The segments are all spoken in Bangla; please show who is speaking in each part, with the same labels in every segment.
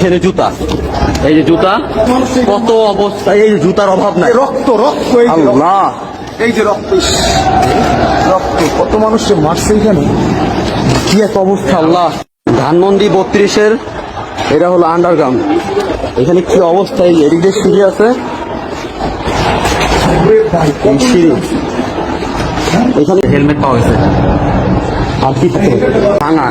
Speaker 1: এখানে জুতা, এই যে জুতা, কত অবস্থায়, এই যে জুতার অভাব নাই।
Speaker 2: রক্ত রক্ত এই যে রক্ত,
Speaker 1: আল্লাহ,
Speaker 2: এই যে রক্ত, ইস, রক্ত কত মানুষকে মারছে এখানে।
Speaker 1: কি এক অবস্থা আল্লাহ। ধানমন্ডি 32-এর এটা হলো আন্ডারগ্রাউন্ড। এখানে কি অবস্থা, এই এদিক দিয়ে সিঁড়ি আছে, এই সিঁড়ি, এখানে হেলমেট পাওয়া গেছে আর কি থাকে ভাঙা।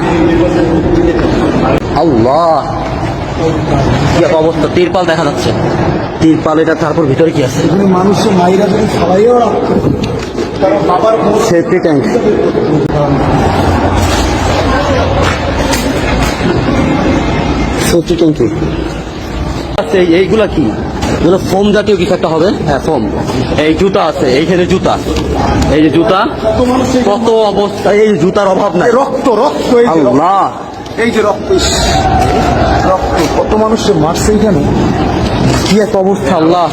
Speaker 1: আল্লাহ, কি এক অবস্থা। তিরপাল দেখা যাচ্ছে, তিরপাল এটা, তারপর ভিতরে কি আছে,
Speaker 2: এখানে মানুষের মাইরা যদি সবাইও রাখতো তারা বাবার
Speaker 1: সেফটি ট্যাঙ্ক, সেফটি ট্যাঙ্কি আছে। এইগুলা কি, এগুলো ফোম জাতীয় কিছু একটা হবে। হ্যাঁ, ফোম। এই জুতা আছে, এইখানে জুতা, এই যে জুতা, কত অবস্থা, এই জুতার অভাব নাই।
Speaker 2: রক্ত রক্ত এই যে রক্ত,
Speaker 1: আল্লাহ,
Speaker 2: এই যে রক্ত, ইস, রক্ত কত মানুষকে মারছে এখানে।
Speaker 1: কি এক অবস্থা আল্লাহ।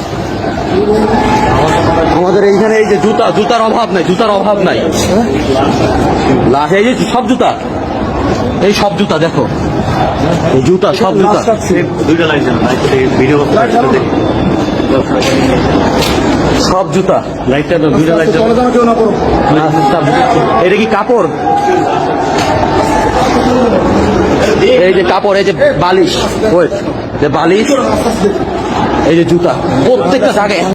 Speaker 1: আমাদের এইখানে এই যে জুতা, জুতার অভাব নাই, জুতার অভাব নাই। লাশ, এই যে সব জুতা, এই সব জুতা দেখো, এই জুতা, সব জুতা,
Speaker 3: দুইটা লাইন ভিডিও
Speaker 1: সব জুতা।
Speaker 3: লাইটটা দুইটা লাইট
Speaker 2: চলো যেন কেউ না করো।
Speaker 1: এটা কি কাপড়? এই যে কাপড়, এই যে বালিশ, ওই যে বালিশ, এই যে জুতা, প্রত্যেকটা জায়গায়